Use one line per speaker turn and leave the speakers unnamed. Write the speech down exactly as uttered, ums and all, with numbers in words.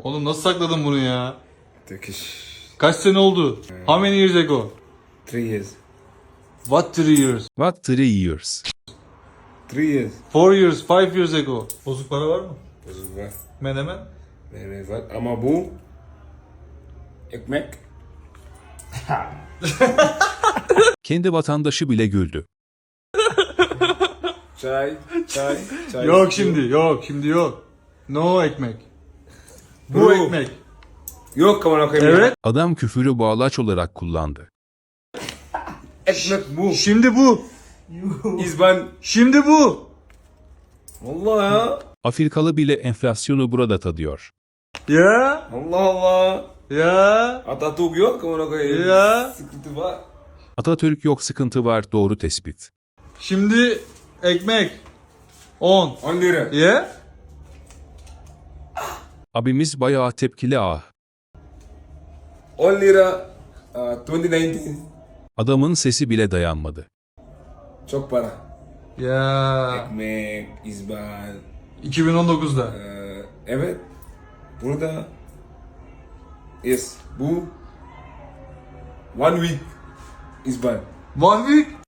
Oğlum nasıl sakladın bunu ya?
Turkish.
Kaç sene oldu? How many years ago?
Three years.
What three years?
What three years?
Three years.
Four years, five years ago. Bozuk para var mı?
Bozuk var.
Menemen?
Evet var. Ama bu ekmek.
Kendi vatandaşı bile güldü.
Çay. Çay. Çay.
Yok şimdi, yok şimdi yok. No ekmek. Bu
Bu.
ekmek.
Yok kaman okuyayım.
Evet.
Adam küfürü bağlaç olarak kullandı.
Ekmek bu.
Şimdi bu.
İzban.
Şimdi bu.
Allah ya.
Afrikalı bile enflasyonu burada tadıyor.
Ya.
Allah Allah.
Ya.
Atatürk yok kaman okuyayım.
Ya.
Sıkıntı var.
Atatürk yok, sıkıntı var, doğru tespit.
Şimdi ekmek. On.
On lira.
Ya.
Abimiz bayağı tepkili ah.
On lira. Uh, twenty nineteen.
Adamın sesi bile dayanmadı.
Çok para.
Ya.
Ekmek, izban.
iki bin on dokuzda.
Ee, evet. Burada. Yes. Bu. One week. İzban.
One week.